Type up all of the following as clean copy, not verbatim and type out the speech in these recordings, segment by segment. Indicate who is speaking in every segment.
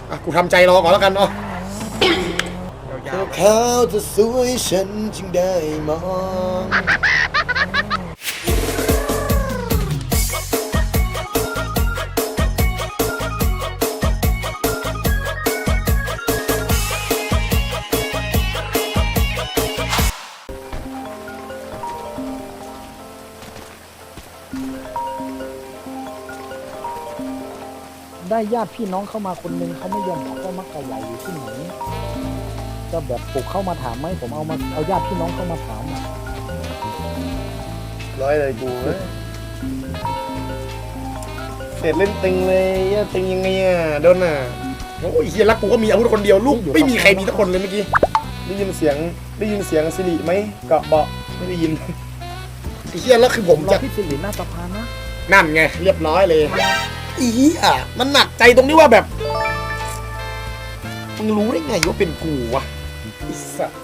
Speaker 1: กูทำใจรอก่อนแล้วกันเนาะเขาจะสวยฉันจึงได้มอง
Speaker 2: ได้ญาติพี่น้องเข้ามาคนนึงเขาไม่ยอมบอกว่ามักกะใหญ่อยู่ที่ไหนก็แบบปลุกเข้ามาถามไหมผมเอาญาติพี่น้องเข้ามาถาม
Speaker 1: ร้อยเลยกูเสร็จเล่นตึงเลยตึงยังไงอ่ะโดนอ่ะโอ้ยเฮียรักกูก็มีอาวุธคนเดียวลูกไม่มีใครมีทุกคนเลยเมื่อกี้ได้ยินเสียงสิริไหมเกาะเบาะไม่ได้ยินไอ้เฮียแล้วคือผมจะ
Speaker 2: พี่สิริหน้าสะพานนะ
Speaker 1: นั่นไงเรียบร้อยเลยอีอ่ะมันหนักใจตรงที่ว่าแบบมึงรู้ได้ไงว่าเป็นกูวะไอ้สัส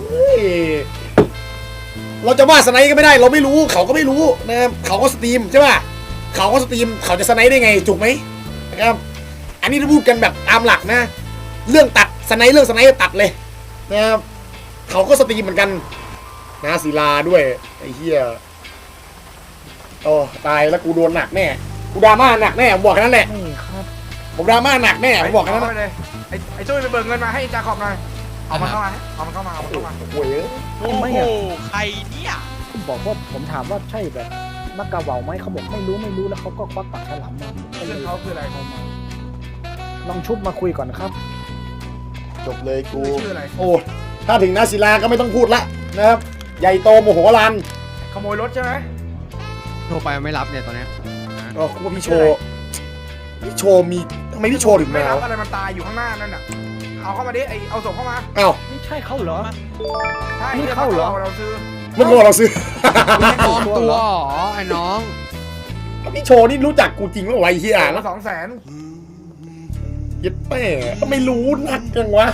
Speaker 1: เราจะว่าสไนด์ก็ไม่ได้เราไม่รู้เขาก็ไม่รู้นะครับเขาก็สตรีมใช่ป่ะเขาก็สตรีมเขาจะสไนด์ได้ไงถูกไหมนะครับอันนี้ถ้าพูดกันแบบตามหลักนะเรื่องตัดสไนด์ตัดเลยนะครับเขาก็สตรีมเหมือนกันนะศิลาด้วยไอ้เหี้ยโอ้ตายแล้วกูโดนหนักแน่กูดราม่าหนักแน่ผมบอกแค่นั้นแหละผมดราม่าหนักแน่ผมบอกแค่นั้น
Speaker 3: เลยไอ้ช่วยไปเบิกเงินมาให้จาขอบหน่อยเอามันเข้ามาโ
Speaker 1: อ้ย
Speaker 2: โอ้โห
Speaker 4: ใครเนี่ย
Speaker 2: ผมบอกว่าผมถามว่าใช่แบบมักกะเหว่าไหมเขาบอกไม่รู้แล้วเขาก็ควักปากฉลามมา
Speaker 3: เรื่องเขาคืออะไรเขามา
Speaker 2: ลองชุบมาคุยก่อนครับ
Speaker 1: จบเลยกูโอ้ถ้าถึงนาศิลาก็ไม่ต้องพูดละนะครับใหญ่โตโมโหลาน
Speaker 3: ขโมยรถใช่ไหม
Speaker 4: โทรไปไม่รับเนี่ยตอนนี้
Speaker 1: ก็คุณพี่โชมีทำไมพี่โชถึง
Speaker 3: ไม่รับอะไรมันตายอยู่ข้างหน้านั่นน่ะเอาเข้ามาดิเอาศพเข้ามา
Speaker 1: อ้าว
Speaker 2: ไม่ใช่เขาเหรอ
Speaker 3: ใช่นี่เข้าเหรอเราซื้อ
Speaker 1: เมื่อก่อนเราซื้อ
Speaker 4: ปลอมตัวไอ้น้อง
Speaker 1: พี่โชนี่รู้จักกูจริงว่าไว้เฮีย
Speaker 3: ละ200,000
Speaker 1: ยึดแม่ก็ไม่รู้นักจังวะ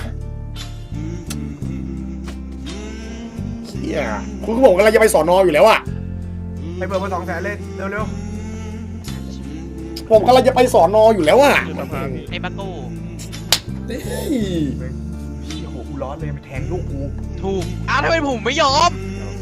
Speaker 1: เฮียคุณก็บอกกันเราจะไปสอนออยู่แล้วอะ
Speaker 3: ไปเบิกมา200,000เลยเร็ว
Speaker 1: ผมกำลังจะไปสอนออยู่แล้วอะ
Speaker 4: ไอ้บักโก้
Speaker 3: พี่โหกูร้อนเลยไปแทงลูกกู
Speaker 4: ถูกทำไมผมไม่ยอม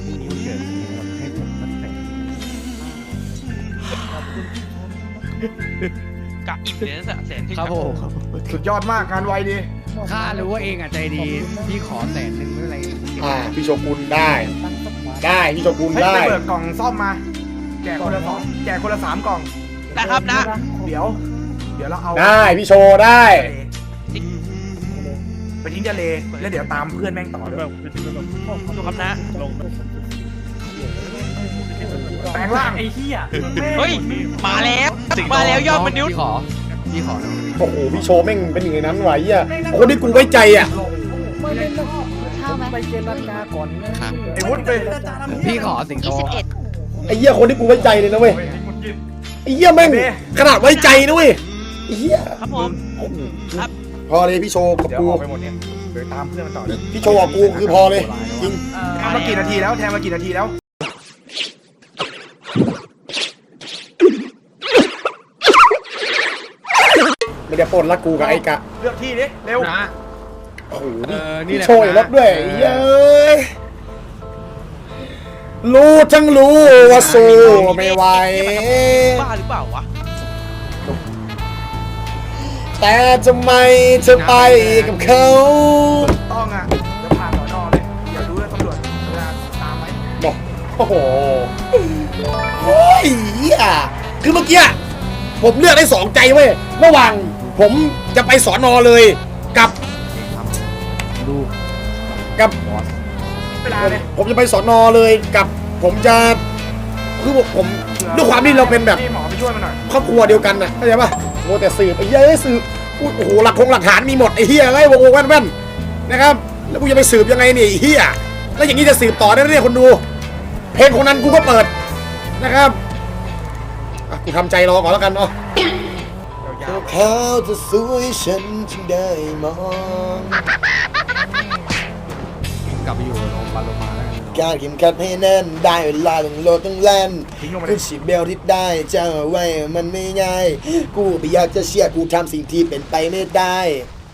Speaker 4: กะอิ่มเลยนะ100,000
Speaker 3: ครับผมสุดยอดมากงานไวดี
Speaker 4: ข้ารู้ว่าเองอ่ะใจดีพี่ขอ100,000ไม่เป็นไร
Speaker 1: พี่โชกุนได้พี่โชกุนได้
Speaker 3: ไปเปิดกล่องซ่อมมาแจกคนละ3 กล่อง
Speaker 4: นะครับนะ
Speaker 3: เดี๋ยวเราเอา
Speaker 1: ได้พี่โชได้
Speaker 3: ไปทิ้งทะเลแล้วเดี๋ยวตามเพื่อนแม่งต่อเลย
Speaker 4: ดูครับนะ
Speaker 3: แปลงร่างไอ้เหี้ย
Speaker 4: เฮ้ยมาแล้วยอดมนุษย์พี่ขอ
Speaker 1: โอ้โหพี่โชแม่งเป็นอย่างนั้นไหวอ่ะคนที่กูไว้ใจอ่ะ
Speaker 2: ไปเจรจาก่อน
Speaker 3: ไอ้วุฒิไป
Speaker 4: พี่ขอสิงโต
Speaker 1: ไอ้เหี้ยคนที่กูไว้ใจเลยนะเว้ยไอ้เหี้ยแม่งขนาดไว้ใจนะเว้ยไอ้เหี้ย
Speaker 4: ครับผมครับ
Speaker 1: พอเลยพี่โชกับกู
Speaker 3: ไปหมดเนี่ยเดี๋ยวตามเพื่อนมันต่อเลย
Speaker 1: พี่โชกับกูคือพอเลยจริง
Speaker 3: แทงมากี่นาทีแล้ว
Speaker 1: ไม่ได้ปนละกูกับไอ้กะ
Speaker 3: เลือกที่ดิเร็ว
Speaker 4: นะ
Speaker 1: โอ้โหนี่โชยรถด้วยเย้ยรู้ทั้งรู้ว่าสู้ไม่ไหว
Speaker 4: บ้าหรือเปล่าวะ
Speaker 1: แต่ทำไมเธอไปกับเขา
Speaker 3: ต้องอ่ะจะผ่านสอนอเลยอย่าดูเลยตำรวจเวลาตามไหม
Speaker 1: บอกโอ้โหโอ้ยคือเมื่อกี้ผมเลือกได้2 ใจเว้ยระหว่างผมจะไปสอนอเลยกับผมจะไปสอนอเลยกับผมจะคือผมด้วยความที่เราเป็นแบบ
Speaker 3: หมอไปช่วยมันหน่อย
Speaker 1: ครอบครัวเดียวกันนะเข้าใจป่ะโมแต่สืบไอ้เหี้ยสืบโอ้โหหลักฐานมีหมดไอ้เหี้ยไอ้โว้แว่นนะครับแล้วกูจะไปสืบยังไงเนี่ยไอ้เหี้ยแล้วอย่างนี้จะสืบต่อได้เนี่ยคนดูเพลงคนนั้นกูก็เปิดนะครับกูทำใจรอก่อนแล้วกันเนาะเขาจะสวยฉันจึงได้มอง
Speaker 4: กลับไปอยู่โรงพยาบาลมาแล้ว
Speaker 1: การเข็มขัดให้แน่นได้เวลาต้องโลดต้องแล่นกูฉีดเบลที่ได้เจ้าไว้มันไม่ง่ายกูไม่อยากจะเชื่อกูทำสิ่งที่เป็นไปไม่ได้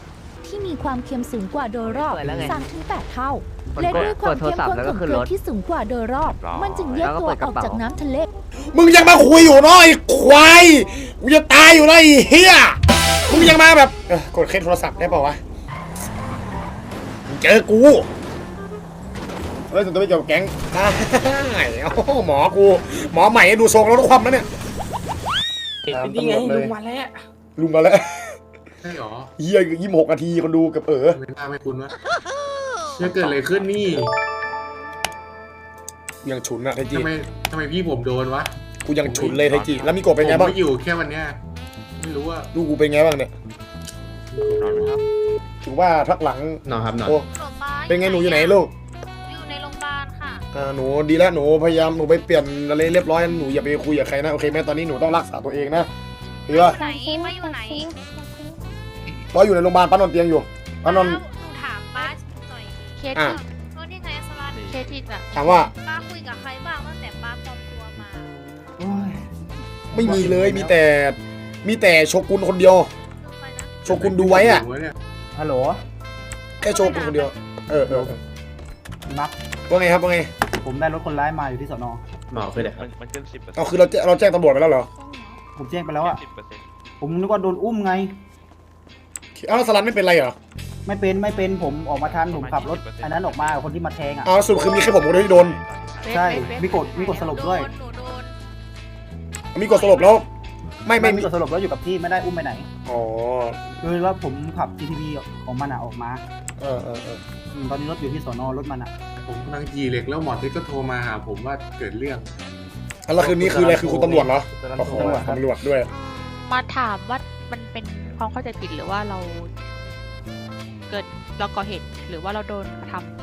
Speaker 5: ที่มีความเค็มสูงกว่าโดยรอบ 3-8 เท่า
Speaker 6: มัน
Speaker 5: และ
Speaker 6: ก็
Speaker 5: ด้วยความ
Speaker 6: กดโทร
Speaker 5: เข้ม
Speaker 6: ศัพท์
Speaker 5: ข้น
Speaker 6: แล้ว
Speaker 5: ข
Speaker 6: ก็
Speaker 5: อง
Speaker 6: ขึ้น
Speaker 5: เกลื
Speaker 6: ร
Speaker 5: อ
Speaker 6: ถ
Speaker 5: ที่สูงกว่าโดยรอบ มันจึงแยกตัวออกจากน้ำทะเล
Speaker 1: มึงยังมาคุยอยู่เนาะไอ้ควายกูจะตายอยู่แล้วไอ้เฮียมึงยังมาแบบกดเคสโทรศัพท์ได้เปล่าวะมึงเจอกูเฮ้ยส่วนตัวไม่เกี่ยวกับแก๊งได้โอ้โหหมอกูหมอใหม่ดูทรงแล้วต้องความแล้วเนี่ย
Speaker 3: นี่ไงลุงมาแล้ว
Speaker 1: ลุงมาแล้ว
Speaker 7: ใช่หรอ
Speaker 1: เฮีย26 นาทีคนดูกับ
Speaker 7: ไม่น่าไม่คุ้นวะจะเกิดอะไรขึ้นนี่
Speaker 1: ยังฉุนอะไทจิ
Speaker 7: ทำไมพี่ผมโดนวะ
Speaker 1: กูยังฉุนเลยไทจิแล้วมีโกบเป็นไง
Speaker 7: ผม
Speaker 1: บ้าง
Speaker 7: ไม่อยู่แค่วันเนี้ยไม่รู้ว่า
Speaker 1: ลูกกูเป็นไงบ้างเนี่ยถือว่าทักหลัง
Speaker 7: นอนครับนอน
Speaker 1: โอ้เป็นไงหนูอยู่ไหนลูก
Speaker 8: อยู่ในโรงพยาบาลค่ะ
Speaker 1: หนูดีแล้วหนูพยายามหนูไปเปลี่ยนอะไรเรียบร้อยหนูอย่าไปคุยกับใครนะโอเคไหมตอนนี้หนูต้องรักษาตัวเองนะคือว่า
Speaker 8: ไหนมาอยู่ไหน
Speaker 1: รออยู่ในโรงพยาบาลป้านอนเตียงอยู่ป้านอน
Speaker 8: หนูถามป้าหน่อย
Speaker 6: เคส
Speaker 1: อ่ะ
Speaker 6: ที่
Speaker 8: ว่านี่ไงสลัด
Speaker 6: เคสที่น่ะ
Speaker 1: ถามว่า
Speaker 8: ป้าคุยกับใครบ้างตั้งแต่ป้าปลอมตัวมา
Speaker 1: ไม่มีเลยมีแต่โชกุนคนเดียว
Speaker 8: คือใครนะ
Speaker 1: โชกุนดูไว้อะ
Speaker 2: ฮัลโหล
Speaker 1: แค่โชกุนคนเดียวเออ
Speaker 2: นับ
Speaker 1: ว่าไงครับว่าไง
Speaker 2: ผมได้รถคนร้ายมาอยู่ที่สน
Speaker 7: หมอคือเด็ก
Speaker 4: มันขึ้น10%
Speaker 1: เอาคือเราแจ้งตำรวจไปแล้วเหรอ
Speaker 2: ผมแจ้งไปแล้วอะ
Speaker 4: 10%
Speaker 2: ผมนึกว่าโดนอุ้มไง
Speaker 1: เอาแล้วสลันไม่เป็นไรเหรอ
Speaker 2: ไม่เป็นผมออกมาทันผมขับรถอันนั้นออกมากับคนที่มาแทงอ่ะ
Speaker 1: เอาสรุปคือมีแค่ผมคนเดียวที่โดน
Speaker 2: ใช่มีกดสลบด้วย
Speaker 8: หนูโดน
Speaker 1: มีกดสลบแล้วไม่
Speaker 2: มีกดสลบแล้วอยู่กับที่ไม่ได้อุ้มไปไหน
Speaker 1: อ๋อ
Speaker 2: คือว่าผมขับ GTV ของมันอะออกมา
Speaker 1: เออ
Speaker 2: ตอนนี้รถอยู่ที่สนรถมันอะ
Speaker 7: ผมกำลังจีเหล็กแล้วหมอเทคก็โทรมาหาผมว่าเกิดเรื่อง
Speaker 1: แล้วคืนนี้คืออะไรคือคุณตำรวจเหรอโอ้โหตำรวจด้วย
Speaker 6: มาถามว่ามันเป็นความเข้าใจผิดหรือว่าเราก่อเหตุหรือว่าเราโดนทำ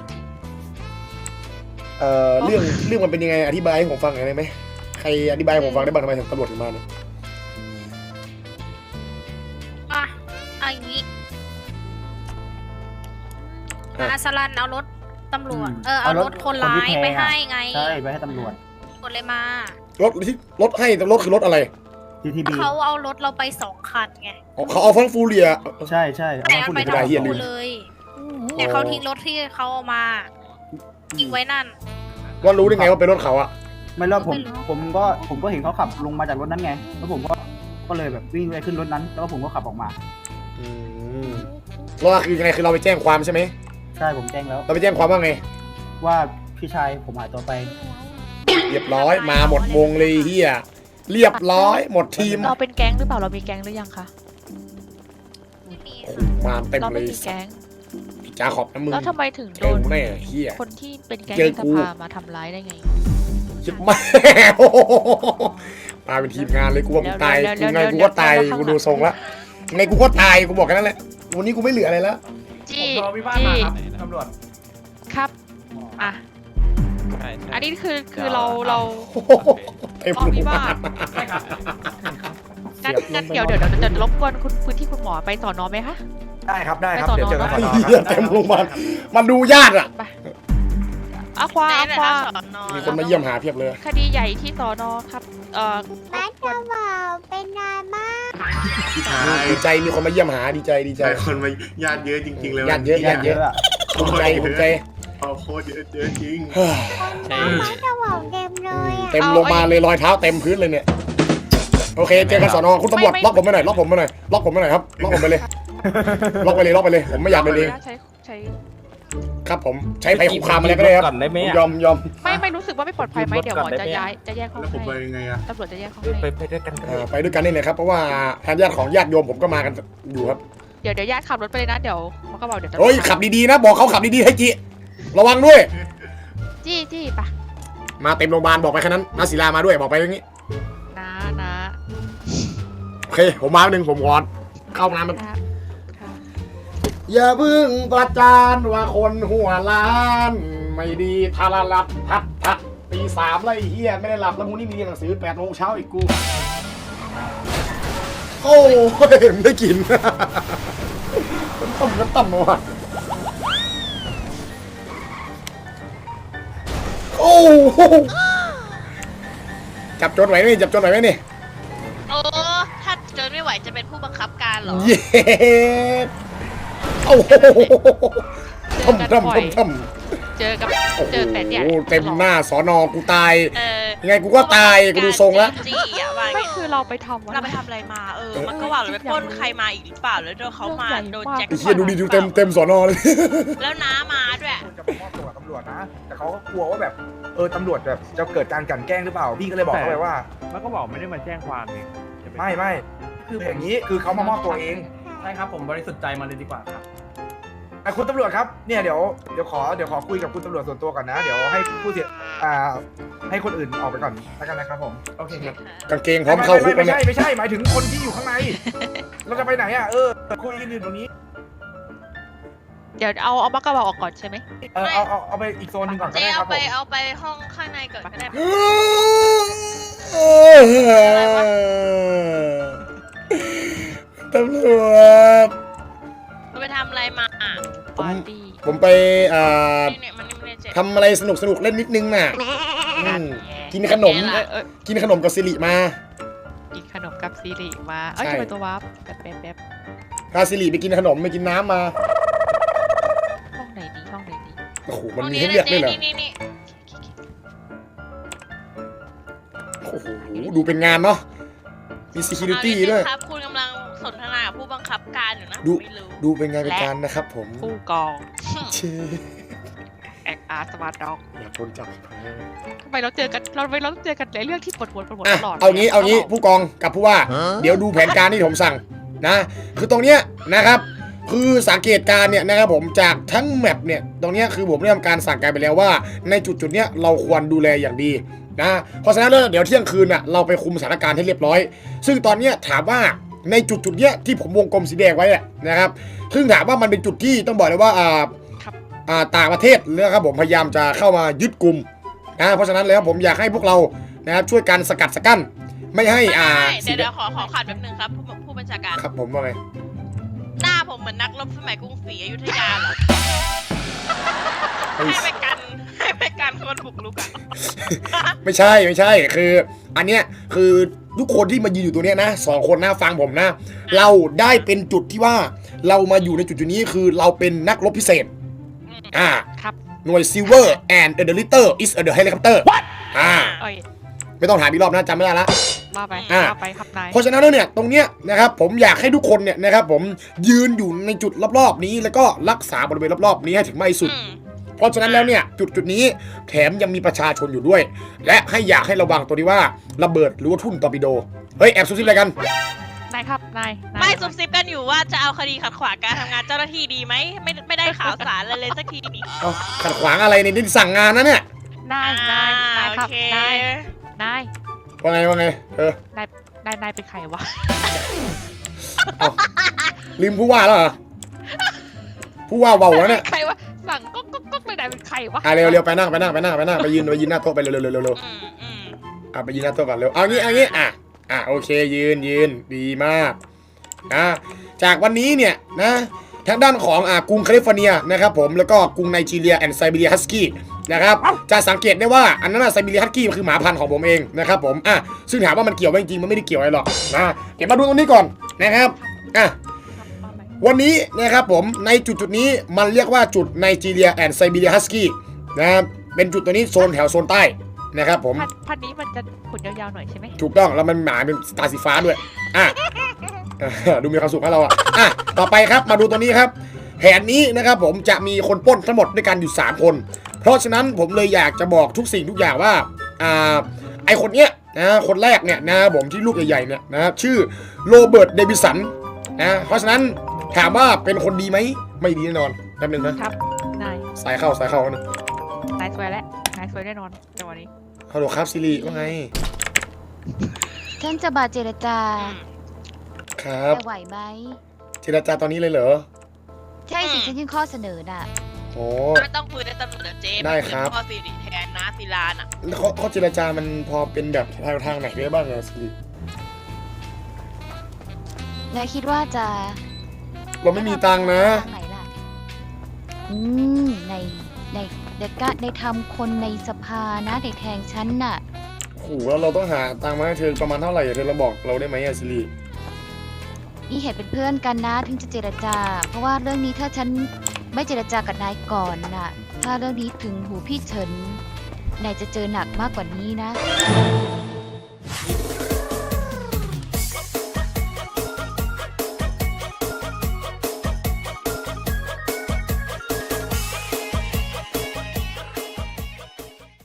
Speaker 1: เรื่องมันเป็นยังไงอธิบายให้ผมฟังหน่อยได้ไหมใครอธิบายให้ผมฟังได้บ้างทำไมถึงตำรวจถึงมาเนี่ย
Speaker 8: อ่ะเอาอย่างนี้อาสลันเอารถตำรวจเอารถคนร้ายไปให้ไง
Speaker 2: ใช่ไปให้ตำรวจ
Speaker 8: กดเลยมา
Speaker 1: รถให้แต่รถคือรถอะไร
Speaker 2: GTV
Speaker 8: เขาเอารถเราไป2 คันไง
Speaker 1: อ๋อเขาเอาฟังฟูเรีย
Speaker 2: ใช่เอา
Speaker 8: แต่
Speaker 2: มา
Speaker 8: เอา
Speaker 2: พูด
Speaker 8: ไป
Speaker 2: ถึง
Speaker 8: ทั้ง
Speaker 1: เหี้ยลื
Speaker 8: คู่
Speaker 1: ม
Speaker 8: เลยแต่เขาทิ้งรถที่เขาเอามาทิ้งไว้นั่น
Speaker 1: ว่ารู้ได้ไงว่าเป็นรถเขาอะ
Speaker 2: ไม่รอบผมก็เห็นเขาขับลงมาจากรถนั้นไง แล้วผมก็เลยแบบวิ่งไปขึ้นรถนั้น แล้วก็ผมก็ขับออกมา
Speaker 1: แล้วคือยังไงคือเราไปแจ้งความใช่ไหม
Speaker 2: ใช่ผมแจ้งแล้ว
Speaker 1: เราไปแจ้งความว่าไง
Speaker 2: ว่าพี่ชายผมหายตัวไป
Speaker 1: เรียบร้อยมาหมดวงเลยเฮียเรียบร้อยหมดทีม
Speaker 6: เราเป็นแก๊งหรือเปล่าเรามีแก๊งหรือยังคะ
Speaker 8: ไม่มี
Speaker 1: โอ้โหมาเต็ม
Speaker 6: เรา
Speaker 1: เล
Speaker 6: ไม่
Speaker 1: ย
Speaker 6: มีแก๊ง
Speaker 1: พี่จ้าขอบนะมึง
Speaker 6: แล้วทำไมถึง
Speaker 1: เจ
Speaker 6: โด
Speaker 1: อน กูแน่เฮีย
Speaker 6: คนที่เป็นแก๊ง
Speaker 1: เจอ
Speaker 6: ใน
Speaker 1: กู
Speaker 6: สภามาทำร้ายได้ไง
Speaker 1: ชิบแม่โอ้โหมาเป็นทีมงานเลยกูว่ามึงตาย
Speaker 6: เดี๋ยว
Speaker 1: กูไง
Speaker 6: เดี๋ยว
Speaker 1: กูก็ตาย
Speaker 6: เดี๋ยว
Speaker 1: กูดูทรงละไงกูก็ตายกูบอกแค่นั้นแหละวันนี้กูไม่เหลืออะไรแล้ว
Speaker 6: จี้
Speaker 3: ผมรอพิพาทมาครับตำรวจ
Speaker 6: ครับอ่ะ
Speaker 4: ใช่
Speaker 6: อันนี้คือเรา
Speaker 1: โอ้โหเต็ม
Speaker 6: อ๋อ
Speaker 1: โรงพ
Speaker 6: พี่
Speaker 1: ยา
Speaker 6: ว่า
Speaker 1: บาล
Speaker 3: ใช่ครับ
Speaker 6: งั้นเดี๋ยวจะรบกวนคุณพื้นที่คุณหมอไปสอนอไหมคะ
Speaker 3: ได้ครับเดี๋ยวเจอกัน
Speaker 1: ไอ้
Speaker 3: ต่อ
Speaker 1: เหี้ยเต็มโรงพยาบาลมันดูญาติอะ
Speaker 6: อาควา
Speaker 8: ไหน
Speaker 6: อา
Speaker 8: ไหน
Speaker 6: ควา
Speaker 8: เอาสอนอ
Speaker 1: มีคนมาเยี่ยมหาเพียบเลย
Speaker 6: คดีใหญ่ที่สอนอครับรบกวน
Speaker 8: เป็นนายมาก
Speaker 7: พี่ชาย
Speaker 1: ดีใจมีคนมาเยี่ยมหาดีใจ
Speaker 7: หลายคนมาญาติเยอะจริงๆเลย
Speaker 1: ญาติเยอะญาติเยอะ ภูมิใจภูมิใจ
Speaker 7: เอาโคตรเยอะจริง
Speaker 1: เฮ้ย
Speaker 4: ใช่
Speaker 1: เต็มลงมาเลยรอยเท้าเต็มพื้นเลยเนี่ยโอเคเจอกันสอนอคุณตำรวจล็อกผมไปหน่อยล็อกผมไปหน่อยล็อกผมไปหน่อยครับล็อกผมไปเลยล็อกไปเลยผมไม่อยากเป็นเอง
Speaker 6: ใช้
Speaker 1: ครับผมใช้ภัยคุกคามอะไรก็ได้ครับยอม
Speaker 6: ไม่รู้สึกว่าไม่ปลอดภัยไหมเดี๋ยวหมอจะแยกห้อง
Speaker 7: แล้วผมไป
Speaker 6: ให้
Speaker 7: ยังไงอะ
Speaker 6: ตำรวจจะแยกห้อง
Speaker 3: ไป
Speaker 6: ให้
Speaker 3: ด้วยกัน
Speaker 1: ไปด้วยกันนี่เลยครับเพราะว่าทางญาติของญาติโยมผมก็มากันอยู่ครับ
Speaker 6: เดี๋ยวญาติขับรถไปเลยนะเดี๋ยวมันก็บอกเดี๋ยวจะ
Speaker 1: โอ้ยขับดีๆนะบอกเขาขับดีๆให้จิระวังด้วย
Speaker 6: จี้ปะ
Speaker 1: มาเต็มโรงพยาบาลบอกไปแค่นั้นนาศิลามาด้วยบอกไปอย่างนี้
Speaker 6: นะ
Speaker 1: โอเคผมมาหนึ่งผมก่อนเข้าน้ำมัน
Speaker 6: ครับ
Speaker 1: อย่าพึ่งประจานว่าคนหัวล้าน ไม่ดีทาราลัดพัดตี3แล้วไอ้เหี้ยไม่ได้หลับแล้วพรุ่งนี้มีเรียนหนังสือ8 โมงเช้าอีกกูโอ้ยไม่ได้กินมันต่ำมาว่ะโอ้จับโจนไหวไหมจับโจนไหวไหมนี่
Speaker 8: โอ้ถ้าเจอไม่ไหวจะเป็นผู้บังคับการเหรอ
Speaker 1: เย้โอ้โห
Speaker 6: เจอกัน
Speaker 1: ทำ
Speaker 6: บ่อย
Speaker 1: ทำ
Speaker 6: เจอกับ
Speaker 1: โอ้โห
Speaker 6: เจอแต่เนี่ย
Speaker 1: เต็มหน้าสอนอกูตาย
Speaker 8: เออ
Speaker 1: ยังไงกูก็ตายกูดูทรงแล้ว
Speaker 8: จี้อะว่า
Speaker 6: ไม่
Speaker 8: ไง
Speaker 6: คือเราไปทำ
Speaker 8: เราไปทำอะไรมามันก็ว่าเราไปปล้นใครมาอีกหรือเปล่าแล้วโดนเขามาโดนแจ็ค
Speaker 1: ไอ้เหี้ยดูดิดูเต็มสอนอเลย
Speaker 8: แล้วน้ามาด้วย
Speaker 3: คนจะไปมอบตัวกับตำรวจนะ แต่เขาก็กลัวว่าแบบตำรวจแบบจะเกิดการกลั่นแกล้งหรือเปล่าพี่ก็เลยบอกเขาไปว่า
Speaker 9: มันก็บอกไม่ได้มาแจ้งความนี่
Speaker 3: ไม่คืออย่างนี้คือเขามามอบตัวเอง
Speaker 9: ใช่ครับผมบริสุทธิ์ใจมาเลยดีกว่าครับ
Speaker 3: คุณตำรวจครับเนี่ยเดี๋ยวขอคุยกับคุณตำรวจส่วนตัวก่อนนะ เดี๋ยวให้ผู้เสียให้คนอื่นออกไปก่อนแล้วกันนะครับผมโอเคครับ
Speaker 1: กางเกงพร้อมเข้าคุกแล้วเนี่ย
Speaker 3: ไม่ใช่หมายถึงคนที่อยู่ข้างใน เราจะไปไหนอ่ะคุยกันอยู่ตรงนี้
Speaker 6: เดี๋ยวเอาบักกระบอกออกก่อนใช่ไหม
Speaker 3: เอาไปอีกโซนหนึงก่อนก็
Speaker 8: เจ๊
Speaker 3: ได้ครับผม
Speaker 8: เอาไปห้องข้างในก่อนก็ได้
Speaker 1: ตำรวจ
Speaker 8: เราไปทำอะไรมา
Speaker 6: ปาร์ตี้
Speaker 1: ผมไป
Speaker 8: เนี่ยมันไม่ได้เจ๊
Speaker 1: ทำอะไรสนุกเล่นนิดนึงน่ะกินขนม กินขนมกับสิริมา
Speaker 6: กินขนมกับซีรีมาเอ้ย
Speaker 1: ใช่
Speaker 6: ทำไมตัววับแป๊บ
Speaker 1: พาสิริไปกินขนมไปกินน้ำมา
Speaker 6: ห้องไหนดีห้องไหนดี
Speaker 1: โอ้โหมันมีให้เลือกด้วยเหรอ
Speaker 8: นี่
Speaker 1: โอ้โหดูเป็นงานเนาะมี security ด้วย
Speaker 8: ครับคุณกำลังสนทนากับผู้บังคับการอยู่นะ
Speaker 1: ดู
Speaker 8: ไม่รู้
Speaker 1: ดูเป็นงานเป็นการนะครับผม
Speaker 6: ผู้กอง
Speaker 1: เช
Speaker 6: แอคอาร์สมาร์ทด็อก
Speaker 1: อยากโดนจับ
Speaker 6: ทำไมเราเจอกันในเรื่องที่ปวดหัวตลอด
Speaker 1: เอางี้ผู้กองกับผู้ว่า เดี๋ยวดูแผนการที่ผมสั่งนะ คือตรงเนี้ยนะครับ คือสังเกตการณ์เนี่ยนะครับผมจากทั้งแมปเนี่ยตรงเนี้ยคือผมได้ทำการสั่งการไปแล้วว่าในจุดเนี้ยเราควรดูแลอย่างดีนะเพราะฉะนั้นแล้วเดี๋ยวเที่ยงคืนน่ะเราไปคุมสถานการณ์ให้เรียบร้อย ซึ่งตอนเนี้ยถามว่าในจุดเนี้ยที่ผมวงกลมสีแดงไว้นะครับซึ่งถามว่ามันเป็นจุดที่ต้องบอกเลยว่าต่างประเทศนะครับผมพยายามจะเข้ามายึดกลุ่มนะเพราะฉะนั้นแล้วผมอยากให้พวกเรานะครับช่วยกันสกัดสกั้นไม่ให้
Speaker 8: เดี๋ยวขอขัดแป๊บนึงครับผู้บัญชาการ
Speaker 1: ครับผมว่าไง
Speaker 8: หน้าผมเหมือนนักรบสมัยกรุงศรีอยุธยาเหรอให้ไปกันคนบุกรุกอ่ะ
Speaker 1: ไม่ใช่คืออันเนี้ยคือทุกคนที่มายืนอยู่ตัวเนี้ยนะ2 คนนะฟังผมนะ เราได้เป็นจุดที่ว่าเรามาอยู่ในจุดนี้คือเราเป็นนักรบพิเศษ
Speaker 6: ครับ
Speaker 1: หน่วย Silver and the Litter is a the helicopter ไม่ต้องถามอีกรอบนะจำไม่ได้ละ
Speaker 6: ว่าไปครับนาย
Speaker 1: เพราะฉะนั้นแล้วเนี่ยตรงเนี้ยนะครับผมอยากให้ทุกคนเนี่ยนะครับผมยืนอยู่ในจุดรอบๆนี้แล้วก็รักษาบริเวณรอบๆนี้ให้ถึงมากที่สุดเพราะฉะนั้นแล้วเนี่ยจุดนี้แถมยังมีประชาชนอยู่ด้วย และอยากให้ระวังตัวนี้ว่าระเบิดหรือว่าทุ่นตอร์ปิโดเฮ้ยแอบซุบซิบอะไรกัน
Speaker 6: นายครับนาย
Speaker 8: ไม่ซุบซิบกันอยู่ว่าจะเอาคดีขัดขวางการทำงานเจ้าหน้าที่ดีไหมไม่ได้ข่าวสารเลยสักทีนี่
Speaker 1: ขัดขวางอะไรเนี่ยนี่สั่งงานนะเนี่ย
Speaker 6: นายครับนาย
Speaker 1: ว่าไง
Speaker 6: นายเป็นใครวะ
Speaker 1: ลืมผู้ว่าแล้วเหรอผู้ว่าเบาแล้วเนี่ย
Speaker 6: ใครวะสั่งก็ไม่ได้เป็นใครวะ
Speaker 1: เร็วไปนั่งไปยืนหน้าโต๊ะไปเร็วไปยืนหน้าโต๊ะก่อนเร็วเอางี้โอเคยืนดีมากจากวันนี้เนี่ยนะทางด้านของกรุงแคลิฟอร์เนียนะครับผมแล้วก็กรุงไนจีเรียแอนด์ไซบีเรียฮัสกี้นะครับจะสังเกตได้ว่าอันนั้นไซบีเรียฮัสกี้คือหมาพันธุ์ของผมเองนะครับผมซึ่งถามว่ามันเกี่ยวไหมจริงๆมันไม่ได้เกี่ยวอะไรหรอกนะเดี๋ยวมาดูตรงนี้ก่อนนะครับวันนี้นะครับผมในจุดนี้มันเรียกว่าจุดไนจีเรียแอนด์ไซบีเรียฮัสกี้นะครับเป็นจุดตัวนี้โซนแถวโซนใต้นะครับผม
Speaker 6: พันธุ์นี้มันจะขนยาวๆหน่อยใช่ไหม
Speaker 1: ถูกต้องแล้วมันหมาเป็นตาสีฟ้าด้วยดูมีความสุขให้เราต่อไปครับมาดูตัวนี้ครับแผนนี้นะครับผมจะมีคนปล้นทั้งหมดด้วยกันอยู่3 คนเพราะฉะนั้นผมเลยอยากจะบอกทุกสิ่งทุกอย่างว่าไอคนเนี้ยนะคนแรกเนี่ยนะผมที่ลูกใหญ่ๆเนี่ยนะชื่อโรเบิร์ตเดวิสันนะเพราะฉะนั้นถามว่าเป็นคนดีไหมไม่ดีแน่นอนแป๊บนึงนะครับ
Speaker 6: นาย
Speaker 1: สายเข้านะ
Speaker 6: นายสวยแล้วนายสวยแน่นอนจังหวะนี้
Speaker 1: ฮัลโหลครับซิริว่าไง
Speaker 5: ฉันจะมาเจรจา
Speaker 1: ครับ
Speaker 5: จะไหวไหม
Speaker 1: เจรจาตอนนี้เลยเหรอ
Speaker 5: ใช่สิฉันยื่นข้อเสนอน่ะ
Speaker 1: โอ้
Speaker 8: ไม่ต้องคุยในตำรวจเจ๊
Speaker 1: ได้ครับ
Speaker 8: ข้อสิริแทนนะศิลาน่ะ
Speaker 1: ข้อเจรจามันพอเป็นแบบทางไหนได้บ้างอะซิริ
Speaker 5: และคิดว่าจะ
Speaker 1: เราไม่มีตังค์นะ
Speaker 5: ไหนล่ะในทำคนในสภานะในแทงฉันน่ะ
Speaker 1: โอ้โหแล้วเราต้องหาตังค์มาให้เธอประมาณเท่าไหร่เธอเราบอกเราได้ไหมซิริ
Speaker 5: นี่เห็นเป็นเพื่อนกันนะถึงจะเจรจา เพราะว่าเรื่องนี้ถ้าฉันไม่เจรจากับนายก่อนน่ะ ถ้าเรื่องนี้ถึงหูพี่เฉินนายจะเจอหนักมากกว่านี้นะ
Speaker 1: มี